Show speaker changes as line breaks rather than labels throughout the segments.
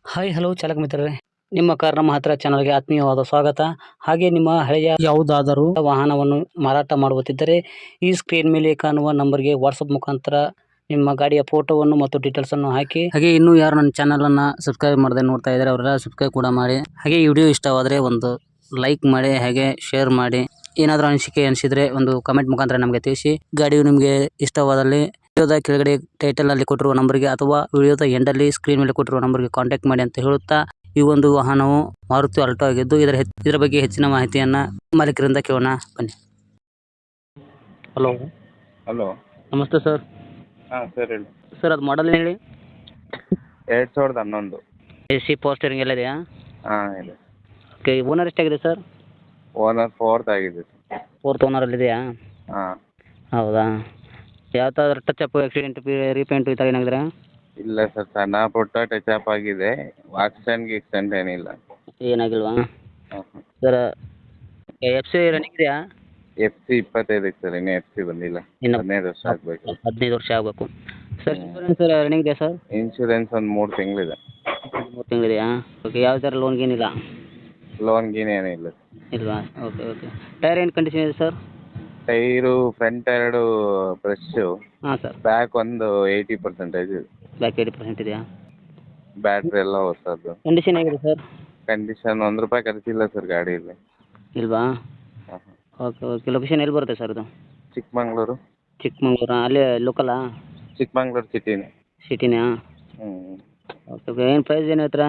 Hi hello ಚಾಲಕ ಮಿತ್ರರೇ, ನಿಮ್ಮ ಕಾರ್ ನಮ್ಮ ಹತ್ರ ಚಾನಲ್ಗೆ ಆತ್ಮೀಯವಾದ ಸ್ವಾಗತ. ಹಾಗೆ ನಿಮ್ಮ ಹಳೆಯ ಯಾವುದಾದರೂ ವಾಹನವನ್ನು ಮಾರಾಟ ಮಾಡುತ್ತಿದ್ದರೆ ಈ ಸ್ಕ್ರೀನ್ ಮೇಲೆ ಕಾಣುವ ನಂಬರ್ಗೆ ವಾಟ್ಸಪ್ ಮುಖಾಂತರ ನಿಮ್ಮ ಗಾಡಿಯ ಫೋಟೋವನ್ನು ಮತ್ತು ಡೀಟೇಲ್ಸ್ ಅನ್ನು ಹಾಕಿ. ಹಾಗೆ ಇನ್ನೂ ಯಾರು ನನ್ನ ಚಾನಲ್ ಅನ್ನ ಸಬ್ಸ್ಕ್ರೈಬ್ ಮಾಡದೆ ನೋಡ್ತಾ ಇದ್ದಾರೆ ಅವರೆಲ್ಲ ಸಬ್ಸ್ಕ್ರೈಬ್ ಕೂಡ ಮಾಡಿ. ಹಾಗೆ ಈ ವಿಡಿಯೋ ಇಷ್ಟವಾದರೆ ಒಂದು ಲೈಕ್ ಮಾಡಿ, ಹಾಗೆ ಶೇರ್ ಮಾಡಿ. ಏನಾದರೂ ಅನಿಸಿದ್ರೆ ಒಂದು ಕಮೆಂಟ್ ಮುಖಾಂತರ ನಮಗೆ ತಿಳಿಸಿ. ಗಾಡಿಯು ನಿಮಗೆ ಇಷ್ಟವಾದಲ್ಲಿ ವಿಡಿಯೋದ ಕೆಳಗಡೆ ಟೈಟಲ್ ಅಲ್ಲಿ ಕೊಟ್ಟಿರುವ ನಂಬರ್ಗೆ ಅಥವಾ ವಿಡಿಯೋದ ಎಂಡಲ್ಲಿ ಸ್ಕ್ರೀನ್ ಮೇಲೆ ಕೊಟ್ಟಿರುವ ನಂಬರ್ಗೆ ಕಾಂಟ್ಯಾಕ್ಟ್ ಮಾಡಿ ಅಂತ ಹೇಳುತ್ತಾ, ಈ ಒಂದು ವಾಹನವು ಮಾರುತಿ ಆಲ್ಟೋ ಆಗಿದ್ದು ಇದರ ಬಗ್ಗೆ ಹೆಚ್ಚಿನ ಮಾಹಿತಿಯನ್ನ ಮಾಲೀಕರಿಂದ ಕೇಳೋಣ ಬನ್ನಿ. ಹಲೋ
ಹಲೋ,
ನಮಸ್ತೆ ಸರ್.
ಹಾಂ ಸರ್ ಹೇಳಿ.
ಸರ್ ಅದು ಮಾಡಲ್ ಹೇಳಿ.
2011.
AC ಪವರ್ ಸ್ಟೇರಿಂಗ್ ಎಲ್ಲ ಇದೆಯಾ?
ಹಾಂ ಇದೆ.
ಓಕೆ, ಓನರ್ ಎಷ್ಟಾಗಿದೆ ಸರ್?
ಓನರ್ 4th ಆಗಿದೆ ಸರ್.
4th ಓನರಲ್ಲಿ ಇದೆಯಾ?
ಹಾಂ.
ಹೌದಾ, ಯಾವ ಥರ ಟಚ್ ಅಪ್, ಆಕ್ಸಿಡೆಂಟ್, ರೀಪೇಂಟು ಈ ಥರ ಏನಾಗಿದ್ರೆ?
ಇಲ್ಲ ಸರ್, ಸಣ್ಣ ಪುಟ್ಟ ಟಚ್ ಅಪ್ ಆಗಿದೆ. ಆಕ್ಸಿಡೆಂಟ್ ಏನಿಲ್ಲ.
ಏನಾಗಿಲ್ವಾ
ಹಾಂ.
ಸರ್? FC ರನ್ನಿಂಗ್ ಇದೆಯಾ?
FC 25 ಸರ್, ಇನ್ನೂ FC ಬಂದಿಲ್ಲ.
ಇನ್ನು
15 ವರ್ಷ ಆಗಬೇಕು.
15 ವರ್ಷ ಆಗಬೇಕು ಸರ್. ಇನ್ಶೂರೆನ್ಸ್ ರನ್ನಿಂಗ್ ಇದೆಯಾ ಸರ್?
ಇನ್ಶೂರೆನ್ಸ್ ಒಂದು 3 ತಿಂಗಳಿದೆ.
3 ತಿಂಗಳಿದೆಯಾ? ಓಕೆ, ಯಾವ ಥರ ಲೋನ್ ಗೀನಿಲ್ಲ?
ಲೋನ್ ಗೀನ್ ಏನಿಲ್ಲ.
ಇಲ್ವಾ? Okay okay. ಟೈರ್ ಏನು ಕಂಡೀಷನ್ ಇದೆ ಸರ್?
ಟೈರು ಫ್ರಂಟ್ 2 ಬ್ರಷ್ಷು,
ಹಾಂ ಸರ್.
ಬ್ಯಾಕ್ ಒಂದು 80% ಇದೆ.
ಬ್ಯಾಕ್ 80% ಇದೆಯಾ?
ಬ್ಯಾಟ್ರಿ ಎಲ್ಲ ಹೊಸದು.
ಕಂಡೀಷನ್ ಹೇಗಿದೆ ಸರ್?
ಕಂಡೀಷನ್ ₹1 ಖರ್ಚಿಲ್ಲ ಸರ್ ಗಾಡಿಯಲ್ಲಿ.
ಇಲ್ವಾ?
ಹಾಂ ಹಾಂ.
Okay okay. ಲೊಕೇಶನ್ ಎಲ್ಲಿ ಬರುತ್ತೆ ಸರ್ ಇದು?
ಚಿಕ್ಕಮಂಗ್ಳೂರು.
ಚಿಕ್ಕಮಂಗ್ಳೂರಾ? ಅಲ್ಲೇ ಲೋಕಲಾ?
ಚಿಕ್ಕಮಂಗ್ಳೂರು ಸಿಟಿನೇ.
ಸಿಟಿನಾ?
ಹ್ಞೂ.
Okay okay. ಏನು ಪ್ರೈಸ್ ಏನು ಹೇಳ್ತೀರಾ?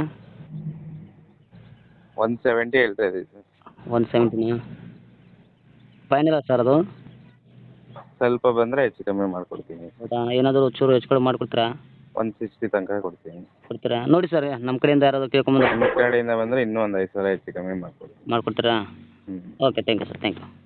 170 ಹೇಳ್ತಾ ಇದ್ದೀವಿ ಸರ್.
170ನಾ? ಫೈನಲ್ಲ ಸರ್ ಅದು?
ಸ್ವಲ್ಪ ಬಂದರೆ ಹೆಚ್ಚು ಕಮ್ಮಿ ಮಾಡಿಕೊಡ್ತೀನಿ.
ಹೌದಾ? ಏನಾದರೂ ಚೂರು ಹೆಚ್ಚು ಕಡಿಮೆ ಮಾಡಿಕೊಡ್ತೀರಾ?
160 ತನಕ ಕೊಡ್ತೀನಿ.
ಕೊಡ್ತೀರಾ? ನೋಡಿ ಸರ್, ನಮ್ಮ ಕಡೆಯಿಂದ ಯಾರಾದರೂ ಕೇಳ್ಕೊಂಬಂದ್ರೆ
ನಿಮ್ಮ ಕಡೆಯಿಂದ ಬಂದರೆ ಇನ್ನೂ ಒಂದು 5,000 ಹೆಚ್ಚು ಕಮ್ಮಿ ಮಾಡಿಕೊಡ್ತೀನಿ.
ಮಾಡಿಕೊಡ್ತೀರಾ?
ಹ್ಞೂ.
Okay, thank you sir, thank you.